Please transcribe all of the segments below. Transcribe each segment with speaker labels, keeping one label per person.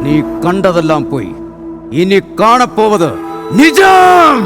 Speaker 1: നീ കണ്ടതെല്ലാം പോയി. ഇനി കാണപ്പോവത് നിജം.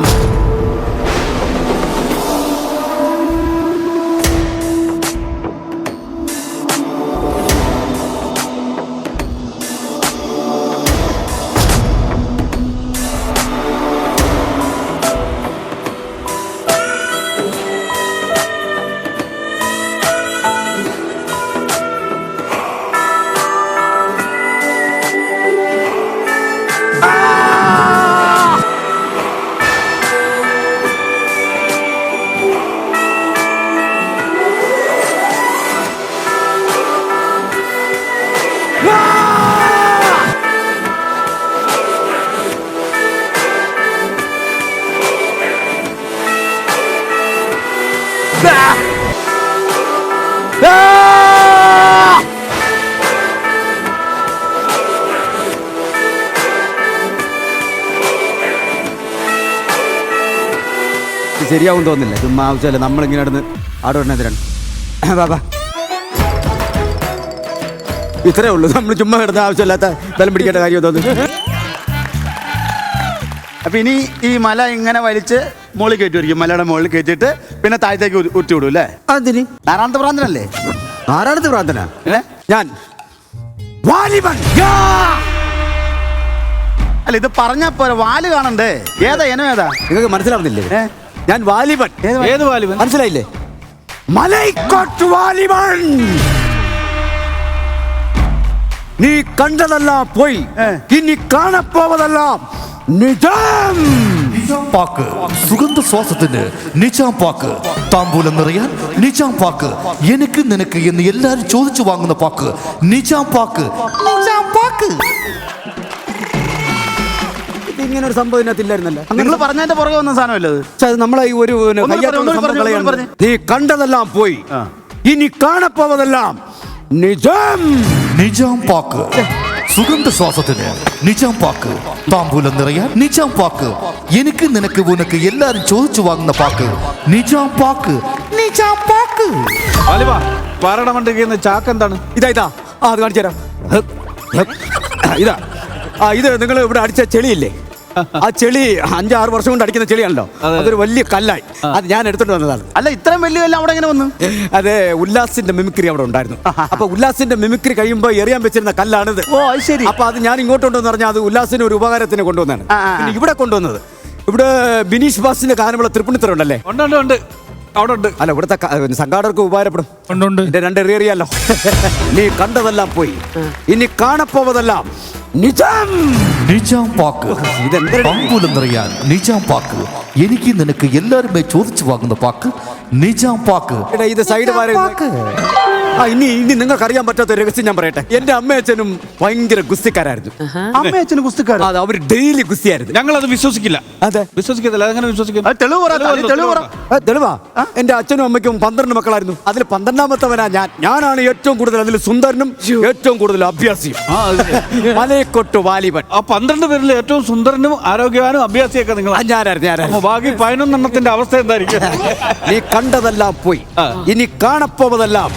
Speaker 1: ശരിയാവും തോന്നില്ല. ചുമ്മാ ആവശ്യമല്ല നമ്മളിങ്ങനെ നടന്ന് ആടോടിനെതിരാണ്. ബാബാ ഇത്രേ ഉള്ളൂ. നമ്മൾ ചുമ്മാ കിടന്ന ആവശ്യമില്ലാത്ത ബലം പിടിക്കേണ്ട കാര്യം തോന്നുന്നു.
Speaker 2: അപ്പൊ ഇനി ഈ മല ഇങ്ങനെ വലിച്ച് മുകളിൽ കയറ്റുമായിരിക്കും. മലയുടെ മുകളിൽ കയറ്റിയിട്ട് പിന്നെ താഴത്തേക്ക് ഉരുട്ടി വിടും അല്ലേ?
Speaker 1: അതിന്
Speaker 2: നാരായണത്തെ പ്രാന്തനല്ലേ?
Speaker 1: ആരാണത് പ്രാർത്ഥന? ഞാൻ വാലിബൻ.
Speaker 2: അല്ല ഇത് പറഞ്ഞാ പോരെ, വാല് കാണണ്ടേ? ഏതാ ഇനം ഏതാ?
Speaker 1: നിങ്ങൾക്ക് മനസ്സിലാവുന്നില്ലേ? ഞാൻ വാലിബൻ.
Speaker 2: ഏത് വാലിബൻ?
Speaker 1: മനസ്സിലായില്ലേ? മലൈക്കോട്ട് വാലിബൻ. നീ കണ്ടതെല്ലാം പോയി. ഇനി കാണപ്പോവതെല്ലാം നിജം.
Speaker 3: പാക്ക് സുഗന്ധ ശ്വാസത്തിന് നിജാം പാക്ക്. താമ്പൂലം നിറയാൻ നിജാം പാക്ക്. എനിക്ക് നിനക്ക് എന്ന് എല്ലാരും ചോദിച്ചു വാങ്ങുന്ന pack Nizam pack. Nizam pack.
Speaker 1: ഇങ്ങനെ ഒരു സംഭവം ഇതിനകത്തില്ലായിരുന്നല്ലോ.
Speaker 2: നിങ്ങൾ പറഞ്ഞതിന്റെ പുറകെ വന്ന സാധനമല്ലേ അത്?
Speaker 1: പക്ഷെ നമ്മളെ ഈ ഒരു നീ കണ്ടതെല്ലാം പോയി. ഇനി കാണപ്പോവതെല്ലാം നിജം.
Speaker 3: നിജാം പാക്ക് സുഗന്ധ ശ്വാസത്തിന് നിജാം പാക്ക്. താമ്പൂലം നിറയാൻ നിജാം പാക്ക്. എനിക്ക് നിനക്ക് ഉനക്ക് എല്ലാരും ചോദിച്ചു വാങ്ങുന്ന pack Nizam pack. Nizam pack.
Speaker 2: പാറടമണ്ടിരിക്കുന്ന ചാക്ക് എന്താണ്?
Speaker 1: ഇതാ അത് കാണിച്ചു തരാം. ഇതാ ഇത് നിങ്ങൾ ഇവിടെ അടിച്ച ചെളിയില്ലേ? ആ ചെളി 5-6 വർഷം കൊണ്ട് അടിക്കുന്ന ചെളിയാണല്ലോ. അതൊരു വലിയ കല്ലായി. അത് ഞാൻ എടുത്തോണ്ട് വന്നതാണ്.
Speaker 2: അല്ല ഇത്രയും വലിയ കല്ല് അവിടെ എങ്ങനെ വന്നു?
Speaker 1: അതെ, ഉല്ലാസിന്റെ മിമിക്രി അവിടെ ഉണ്ടായിരുന്നു. അപ്പൊ ഉല്ലാസിന്റെ മിമിക്രി കഴിയുമ്പോ എറിയാൻ വെച്ചിരുന്ന കല്ലാണിത്.
Speaker 2: ഓ ശരി.
Speaker 1: അപ്പൊ അത് ഞാൻ ഇങ്ങോട്ട് കൊണ്ടുവന്ന് പറഞ്ഞാൽ അത് ഉല്ലാസിന് ഒരു ഉപകാരത്തിന് കൊണ്ടുവന്നാണ്. പിന്നെ ഇവിടെ കൊണ്ടുവന്നത് ഇവിടെ ബിനീഷ് ബാസിന്റെ ഗാനമുള്ള തൃപ്പൂണിത്തുറ ഉണ്ടല്ലേ?
Speaker 4: ഉണ്ട് അവിടെ ഉണ്ട്.
Speaker 1: അല്ല ഇവിടുത്തെ സംഘാടകർക്ക് ഉപകാരപ്പെടും.
Speaker 4: ഉണ്ട്.
Speaker 1: 2 എറിയറിയാലോ. നീ കണ്ടതെല്ലാം പോയി. ഇനി കാണപ്പോവതെല്ലാം നിജം.
Speaker 3: നിജാം പാക്ക്. താമ്പൂലം നിറയാൻ നിജാം പാക്ക്. എനിക്ക് നിനക്ക് എല്ലാരുമേ ചോദിച്ചു വാങ്ങുന്ന പാക്ക് നിജാം പാക്ക്.
Speaker 1: ഇത് സൈഡ് ഇനി നിങ്ങൾക്ക് അറിയാൻ പറ്റാത്ത രഹസ്യം ഞാൻ പറയട്ടെ. എന്റെ അമ്മയച്ഛനും ഭയങ്കര ഗുസ്തിക്കാരായിരുന്നു.
Speaker 2: അമ്മയച്ഛനും ഗുസ്തിക്കാരൻ?
Speaker 1: അതെ, അവർ ഡെയിലി ഗുസ്തിയായിരുന്നു.
Speaker 4: ഞങ്ങൾ അത് വിശ്വസിക്കില്ല.
Speaker 1: അതെ,
Speaker 4: വിശ്വസിക്കത്തില്ല. അതെങ്ങനെ വിശ്വസിക്കും?
Speaker 1: തെളിവാ. എന്റെ അച്ഛനും അമ്മയ്ക്കും 12 മക്കളായിരുന്നു. അതിൽ 12ാമത്തവനാ ഞാൻ. ഞാനാണ് ഏറ്റവും കൂടുതൽ അതിൽ സുന്ദരനും ഏറ്റവും കൂടുതൽ അഭ്യാസിയും. മലൈക്കോട്ട് വാലിബൻ.
Speaker 4: ആ 12 പേരിൽ ഏറ്റവും സുന്ദരനും ആരോഗ്യവാനും അഭ്യാസിയൊക്കെ നിങ്ങൾ?
Speaker 1: ഞാനായിരുന്നു.
Speaker 4: ബാക്കി 11 അവസ്ഥ എന്തായിരിക്കും?
Speaker 1: നീ കണ്ടതെല്ലാം പോയി. ഇനി കാണപ്പോവതെല്ലാം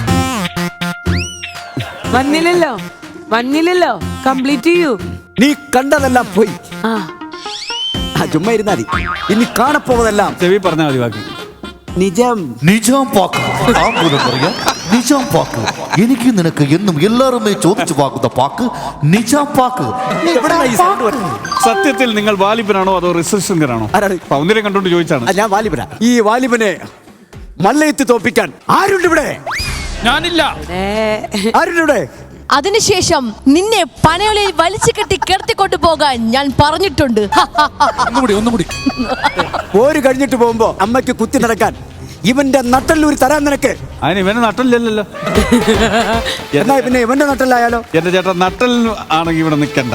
Speaker 5: വന്നില്ലല്ലോ. കംപ്ലീറ്റ് ചെയ്യൂ.
Speaker 1: നീ കണ്ടതെല്ലാം പോയി. ചുമ്മാ ഇരുന്നാ മതി. ഇനി കാണപ്പോവതെല്ലാം
Speaker 4: ചെവി പറഞ്ഞാൽ മതി. ബാക്കി
Speaker 1: നിജം.
Speaker 3: നിജാം പാക്ക്. താമ്പൂലം നിറയാൻ നിജാം പാക്ക്. എനിക്ക് നിനക്ക് എന്നും എല്ലാരുമേ ചോദിച്ചു വാങ്ങുന്ന പാക്ക് നിജാം പാക്ക്.
Speaker 4: സത്യത്തിൽ നിങ്ങൾ വാലിബനാണോ അതോ റിസർച്ചറാണോ? ഒന്നിനെ കണ്ടോണ്ട് ചോദിച്ചാണ്.
Speaker 1: ഞാൻ വാലിബനാ. ഈ വാലിബനെ മല്ലയത്ത് തോപ്പിക്കാൻ ആരുണ്ട് ഇവിടെ?
Speaker 4: ഞാനില്ല.
Speaker 1: ആരുണ്ട് ഇവിടെ?
Speaker 6: അതിനുശേഷം നിന്നെ പനയോലയിൽ വലിച്ചു കെട്ടി കിടത്തിക്കൊണ്ടു പോകാൻ ഞാൻ പറഞ്ഞിട്ടുണ്ട്.
Speaker 4: ഒന്നുകൂടി.
Speaker 1: പോര് കഴിഞ്ഞിട്ട് പോകുമ്പോ അമ്മയ്ക്ക് കുത്തി നടക്കാൻ ഇവന്റെ നട്ടല്ലൂരി തരാൻ നിനക്ക്.
Speaker 4: അതിന് ഇവന് നട്ടലില്ലല്ലോ.
Speaker 1: എന്നാ പിന്നെ ഇവന്റെ നട്ടല്ലായാലോ?
Speaker 4: എന്റെ ചേട്ടൻ നട്ടൽ ആണെങ്കിൽ ഇവിടെ നിൽക്കണ്ട.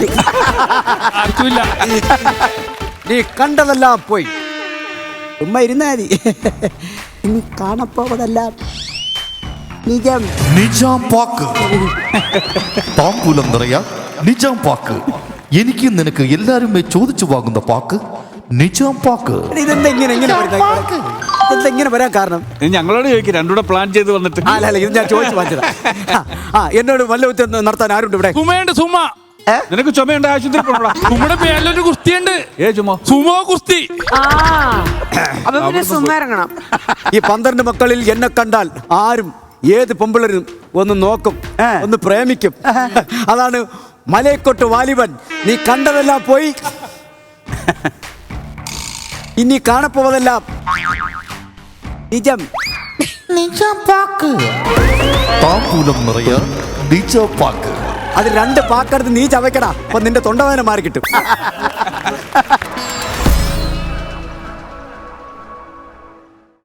Speaker 1: നീ കണ്ടതെല്ലാം പോയി. ഉമ്മ ഇരുന്നാ മതി. ഇനി കാണപ്പോവതെല്ലാം നിജം.
Speaker 3: നിജാം പാക്ക്. താമ്പൂലം നിറയാൻ നിജാം പാക്ക്. എനിക്ക് നിനക്ക് എല്ലാരുമേ ചോദിച്ചു വാങ്ങുന്ന പാക്ക് നിജാം പാക്ക്.
Speaker 1: ഇതെങ്ങനെ വരാൻ കാരണം?
Speaker 4: ഞങ്ങളോട് ചോദിക്കും. രണ്ടുകൂടെ പ്ലാൻ ചെയ്ത് വന്നിട്ട്.
Speaker 1: അല്ല ഇത് ഞാൻ ചോദിച്ചു വാങ്ങിച്ചതാ. എന്നോട് വല്ല നടത്താൻ ആരുണ്ട് ഇവിടെ?
Speaker 4: നിനക്ക് ചുമയുണ്ട് ആശുപത്രി പോകണോടാ.
Speaker 5: നമ്മുടെ പേരിലൊരു കുസ്തിയുണ്ട്.
Speaker 4: ചുമ
Speaker 5: സുമോ കുസ്തി.
Speaker 7: അപ്പൊ പിന്നെ സുമ ഇറങ്ങണം.
Speaker 1: ഈ 12 മക്കളിൽ എന്നെ കണ്ടാൽ ആരും ഏത് പെമ്പിളരും ഒന്ന് നോക്കും, ഒന്ന് പ്രേമിക്കും. അതാണ് മലയക്കൊട്ട് വാലിബൻ. നീ കണ്ടതെല്ലാം പോയി, ഇനി കാണപ്പോവതെല്ലാം നിജം.
Speaker 3: താമ്പൂലം നിറയാൻ നിജാം പാക്ക്.
Speaker 1: അത് 2 പാക്കെടുത്ത് നീ ചവയ്ക്കടാ, അപ്പൊ നിന്റെ തൊണ്ടവേദന മാറി കിട്ടും.